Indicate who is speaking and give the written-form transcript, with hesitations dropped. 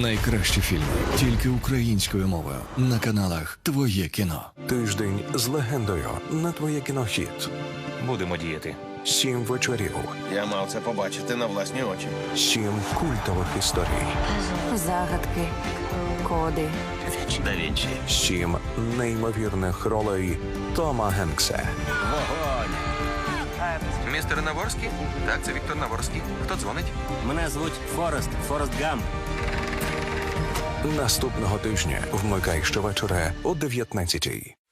Speaker 1: Найкращі фільми тільки українською мовою на каналах Твоє кіно.
Speaker 2: Тиждень з легендою на Твоє кінохіт.
Speaker 3: Будемо діяти.
Speaker 2: 7 вечорів,
Speaker 4: Я мав це побачити на власні очі.
Speaker 2: 7 культових історій,
Speaker 5: Загадки, коди.
Speaker 3: Да Вінчі.
Speaker 2: 7 неймовірних ролей Тома Генкса.
Speaker 3: Містер Наворський? Так, це Віктор Наворський. Хто дзвонить?
Speaker 6: Мене звуть Форест Гамп.
Speaker 2: Наступного тижня вмикай щовечора о 19-й.